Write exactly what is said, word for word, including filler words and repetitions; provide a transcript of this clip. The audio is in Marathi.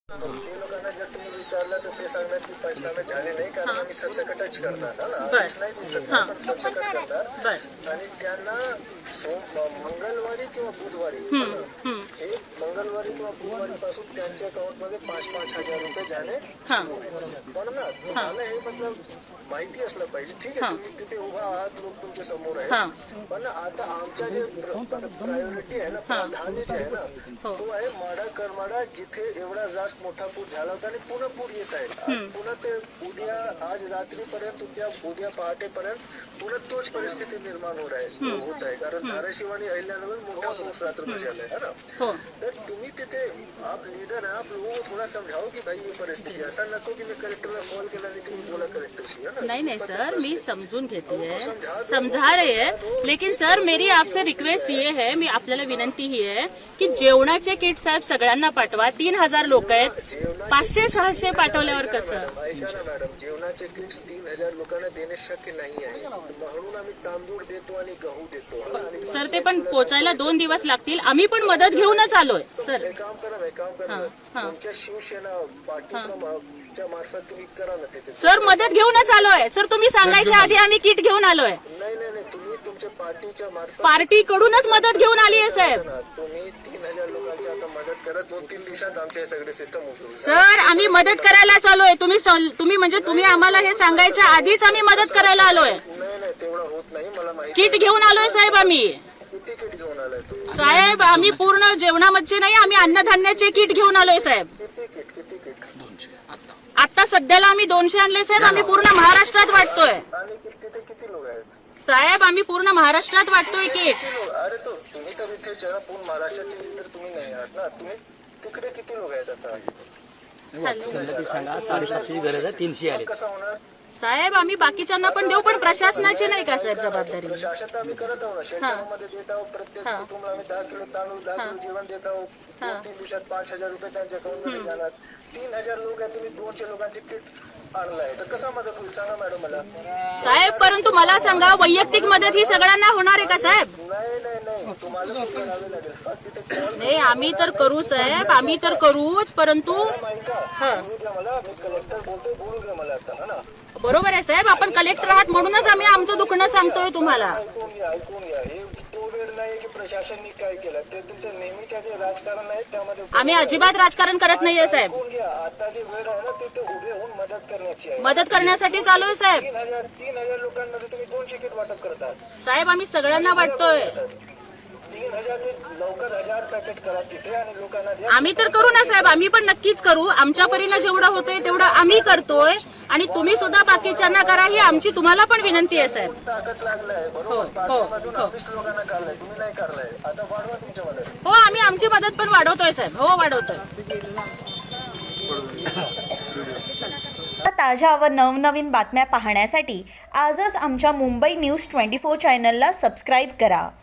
ते लोकांना जर तुम्ही विचारलं तर ते सांगणार की पंचनामे झाले नाही कारण आम्ही सरसकटच करणार ना आदेश नाही देऊ शकणार पण सरसकट करणार आणि त्यांना मंगळवारी किंवा बुधवारी हे मंगळवारी किंवा बुधवारी पासून त्यांच्या अकाउंट मध्ये पाच पाच हजार रुपये जाणे सुरू होईल. पण ना तुम्हाला हे मतलब माहिती असलं पाहिजे. ठीक आहे तुम्ही तिथे उभा आहात लोक तुमच्या समोर आहे पण आता आमच्या जे प्रायोरिटी आहे ना प्राधान्य जे आहे ना तो आहे माडा करमाडा जिथे एवढा जास्त मोठा पूर झाला होता आणि पुन्हा पूर येत आहे. पुन्हा ते उद्या आज रात्रीपर्यंत उद्या उद्या पहाटेपर्यंत पुन्हा तोच परिस्थिती निर्माण होत आहे होत आहे कारण धाराशिव आणि अहिल्यानगर मोठा पाऊस रात्र झाला आहे ना. तर तुम्ही तिथे आप लीडर है आप लोगों को थोड़ा समझाओ की भाई ये परिस्थिती ऐसा नको की मी कलेक्टरला कॉल केला आणि तुम्ही बोला कलेक्टरशी है ना. नहीं नहीं सर मी समझून घेती है समझा रहे हैं लेकिन सर मेरी आपसे रिक्वेस्ट ये है मी आपल्याला विनंती ही आहे की जेवणाचे किट साहेब सगळ्यांना पाठवा. तीन हजार लोक आहेत पाचशे सहाशे पाठवल्यावर कसं. ऐका ना मॅडम जेवणाचे किट्स तीन हजार लोकांना देणे शक्य नाही आहे म्हणून आम्ही तांदूळ देतो आणि गहू देतो. सर ते पण पोचायला दोन दिवस लागतील. आम्ही पण मदत घेऊनच आलोय सर. एक काम करा एक काम करा तुमच्या शिवसेना पार्टीच्या मार्फत तुम्ही करा ना तिथे. सर मदत घेऊनच आलोय सर. तुम्ही सांगायच्या आधी आम्ही किट घेऊन आलोय. नाही नाही नाही तुम्ही तुमच्या पार्टीच्या मार्फत पार्टी कडूनच मदत घेऊन आली आहे साहेब. तुम्ही तीन हजार लोकांची आता मदत करा. दोन तीन दिवसात आमचे सगळे सिस्टम उघडून सर आम्ही मदत करायला आलोय. तुम्ही तुम्ही म्हणजे तुम्ही आम्हाला हे सांगायच्या आधीच आम्ही मदत करायला आलोय. नाही नाही तेवढं होत नाही मला माहिती. किट घेऊन आलोय साहेब आम्ही. किती किट घेऊन आलाय तुम्ही साहेब आम्ही पूर्ण जेवणामध्ये नाही आम्ही अन्नधान्याचे किट घेऊन आलोय साहेब. किती किट किती किट आता सध्याला आम्ही दोनशे आणले साहेब. आम्ही पूर्ण महाराष्ट्रात वाटतोय आणि तिथे किती लोक आहेत साहेब. आम्ही पूर्ण महाराष्ट्रात वाटतोय किट. अरे तो तुम्ही तर इथे जरा पूर्ण महाराष्ट्राचे तर तुम्ही नाही आहात ना. तुम्ही तिकडे किती लोक आहेत आता सांगा. साडेसातशेची गरज आहे तीनशे आले. कसं होणार साहेब आम्ही बाकीच्यांना पण देऊ पण प्रशासनाची नाही का साहेब जबाबदारी. प्रशासन आम्ही करत आहोत ना शेतकऱ्यांमध्ये देत आहोत. प्रत्येक कुटुंबाला आम्ही दहा किलो तांदूळ दहा किलो जेवण देत आहोत. दोन तीन दिवसात पाच हजार रुपये त्यांच्या अकाउंट मध्ये जाणार. तीन हजार लोक आहेत तुम्ही दोनशे लोकांचे किट आणलाय तर कसा मदत होईल सांगा मॅडम मला. साहेब परंतु मला सांगा वैयक्तिक मदत ही सगळ्यांना होणार आहे का साहेब. नाही नाही नाही तुम्हाला करावे लागेल फक्त तिथे कॉल नाही आम्ही तर करू साहेब आम्ही तर करूच परंतु बोलू द्या मला. मी कलेक्टर बोलतोय बोलू द्या मला आता है ना. बरोबर आहे साहेब आपण कलेक्टर आहात म्हणूनच आम्ही आमचं दुखणं सांगतोय तुम्हाला. ऐकून घ्या ऐकून घ्या हे तो वेळ नाही की प्रशासनाने काय केलं ते तुमचं नेहमीच्या जे राजकारण आहे त्यामध्ये आम्ही अजिबात राजकारण करत नाहीये साहेब. ऐकून घ्या आता जे वेळ आहे ना ते ते उभे होऊन मदत करण्याची आहे. मदत करण्यासाठी चालू आहे साहेब. तीन हजार तीन हजार लोकांमध्ये तुम्ही दोनशे किट वाटप करतात साहेब आम्ही सगळ्यांना वाटतोय. तीन हजार ते लवकर हजार पॅकेट करा तिथे आणि लोकांना द्या. आम्ही तर करू ना साहेब आम्ही पण नक्कीच करू. आमच्या परीनं जेवढं होतंय तेवढं आम्ही करतोय आणि तुम्ही सुद्धा बाकीच्यांना करा ही आमची तुम्हाला पण विनंती आहे साहेब. ताकद लागलाय बरोबर. पाठीमधून वीस लोकांना काढलाय तुम्ही नाही काढलाय आता वाढवा तुमच्या मदत. हो आम्ही आमची मदत पण वाढवतोय साहेब. हो वाढवतोय. ताज्या व नवनवीन बातम्या पाहण्यासाठी आजच आमच्या मुंबई न्यूज ट्वेंटी फोर चॅनलला सबस्क्राईब करा.